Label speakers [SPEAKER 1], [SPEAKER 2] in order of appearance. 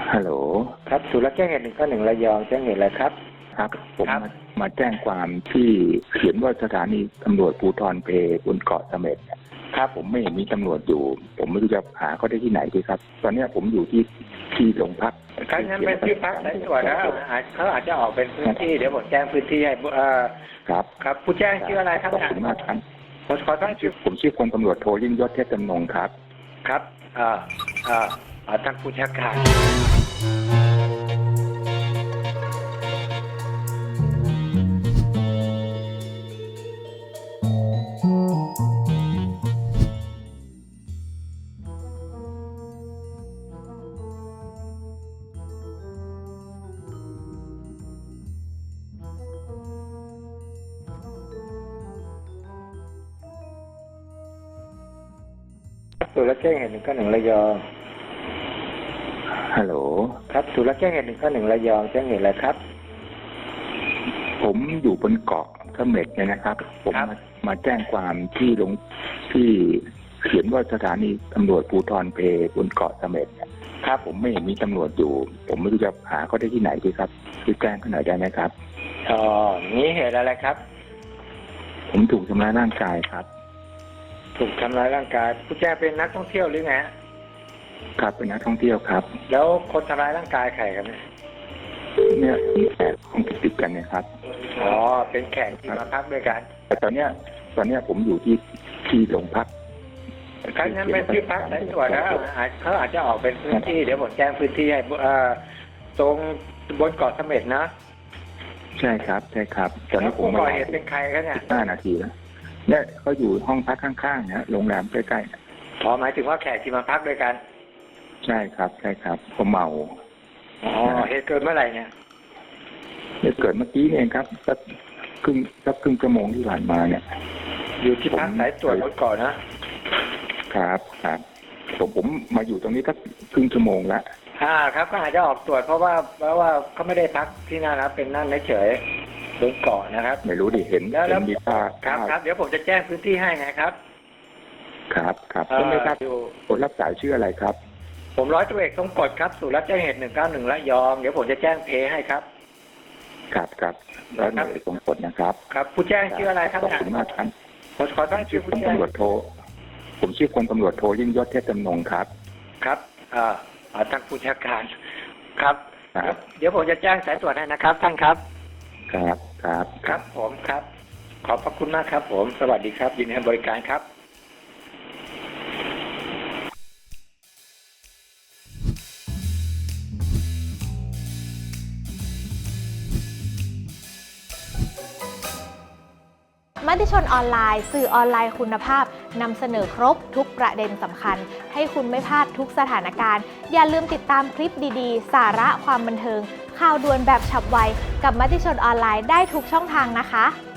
[SPEAKER 1] ฮัลโหล
[SPEAKER 2] ครับศูนย์รับแจ้งเหตุ191ระยองแจ้งเหตุอะไรครับ
[SPEAKER 1] ครับผมมาแจ้งความที่เขียนว่าสถานีตำรวจภูธรเพบนเกาะเสม็ดครับผมไม่เห็นมีตำรวจอยู่ผมไม่รู้จะหาเขาได้ที่ไหนดีครับตอนนี้ผมอยู่ที่โรงพัก
[SPEAKER 2] ครับนั้นเป็นที่พักสายตรวจนะเขาอาจจะออกเป็นพื้นที่เดี๋ยวผมแจ้งพื้นที่ให้
[SPEAKER 1] ครับ
[SPEAKER 2] ครับผู้แจ้งชื่ออะไรครับ
[SPEAKER 1] ขอบคุณมากครับ
[SPEAKER 2] ขอตั้งชื่อ
[SPEAKER 1] ผมชื่อพลตำรวจโทยิ่งยศเทพจำนงครับ
[SPEAKER 2] ครับท่านผู้ชักการศูนย์รับแจ้งเหตุ191ระยอง
[SPEAKER 1] ฮัลโหล
[SPEAKER 2] ครับศูนย์รับแจ้งเหตุ191ระยองแจ้งเหตุอะไรครับ
[SPEAKER 1] ผมอยู่บนเกาะเสม็ดเนี่ยนะครับผมมาแจ้งความที่เขียนว่าสถานีตำรวจภูธรเพบนเกาะเสม็ดครับผมไม่เห็นมีตำรวจอยู่ผมไม่รู้จะหาเขาได้ที่ไหนดีครับช่วยแจ้งเขาหน่อยได้ไหมครับ
[SPEAKER 2] นี้เหตุอะไรครับ
[SPEAKER 1] ผมถูกทำร้ายร่างกายครับ
[SPEAKER 2] ถูกทำร้ายร่างกายผู้แจ้งเป็นนักท่องเที่ยวหรือไง
[SPEAKER 1] ครับเป็นนักท่องเที่ยวครับ
[SPEAKER 2] แล้วคนทำร้ายร่างกายใครครับ
[SPEAKER 1] เนี่ยมีแขกห้องติดกันเนี่ยครับ
[SPEAKER 2] เป็นแขกที่มาพักด้วยกัน
[SPEAKER 1] แต่ตอนเนี้ยผมอยู่ที่โรงพัก
[SPEAKER 2] ครั้งนั้นเป็นที่พักสายตรวจนะเขาอาจจะออกเป็นพื้นที่เดี๋ยวผมแจ้งพื้นที่ให้ตรงบนเกาะเสม็ดนะ
[SPEAKER 1] ใช่ครับตอนนี้ผม
[SPEAKER 2] ก่อเหตุเป็นใครครับเนี่ย
[SPEAKER 1] 5 นาทีแล้วเนี่ยเขาอยู่ห้องพักข้างๆนะโรงแรมใกล้
[SPEAKER 2] ๆหมายถึงว่าแขกที่มาพักด้วยกัน
[SPEAKER 1] ใช่ครับผมเมา
[SPEAKER 2] เหตุเกิดเมื่อไหร่เนี่ย
[SPEAKER 1] เกิดเมื่อกี้เองครับสักครึ่งชั่วโมงที่ผ่านมาเนี่ย
[SPEAKER 2] อยู่ที่พักสายตรวจบนเกาะนะครับ
[SPEAKER 1] ผมมาอยู่ตรงนี้สักครึ่งชั่วโมงแล้ว
[SPEAKER 2] ครับก็อาจจะออกตรวจเพราะว่าเขาไม่ได้พักที่นั่นนะเป็นนั่นเฉยบนเกาะนะครับ
[SPEAKER 1] ไม่รู้ดิเห็นมีภาพ
[SPEAKER 2] ครับเดี๋ยวผมจะแจ้งพื้นที่ให้ไงครับ
[SPEAKER 1] ครับไม่ทราบคนรับสายชื่ออะไรครับ
[SPEAKER 2] ผมร้อยตำรวจเอกทรงกฎครับศูนย์รับแจ้งเหตุ191ระยองเดี๋ยวผมจะแจ้งเพให้ครับ
[SPEAKER 1] ครับร้อยตำรวจเอกทรงกฎนะครับ
[SPEAKER 2] ครับผู้แจ้งชื่ออะไรครับ
[SPEAKER 1] ขอบคุณมากครับ
[SPEAKER 2] ขอตั้งชื่อผู้แจ้ง
[SPEAKER 1] ผมชื่อพลตำรวจโทยิ่งยศเทพจำนงครับ
[SPEAKER 2] ครับท่านผู้ชักการครับเดี๋ยวผมจะแจ้งสายตรวจให้นะครับท่านครับ
[SPEAKER 1] ครับ
[SPEAKER 2] ผมครับขอบพระคุณมากครับผมสวัสดีครับยินดีให้บริการครับ
[SPEAKER 3] มติชนออนไลน์สื่อออนไลน์คุณภาพนำเสนอครบทุกประเด็นสำคัญให้คุณไม่พลาดทุกสถานการณ์อย่าลืมติดตามคลิปดีๆสาระความบันเทิงข่าวด่วนแบบฉับไวกับมติชนออนไลน์ได้ทุกช่องทางนะคะ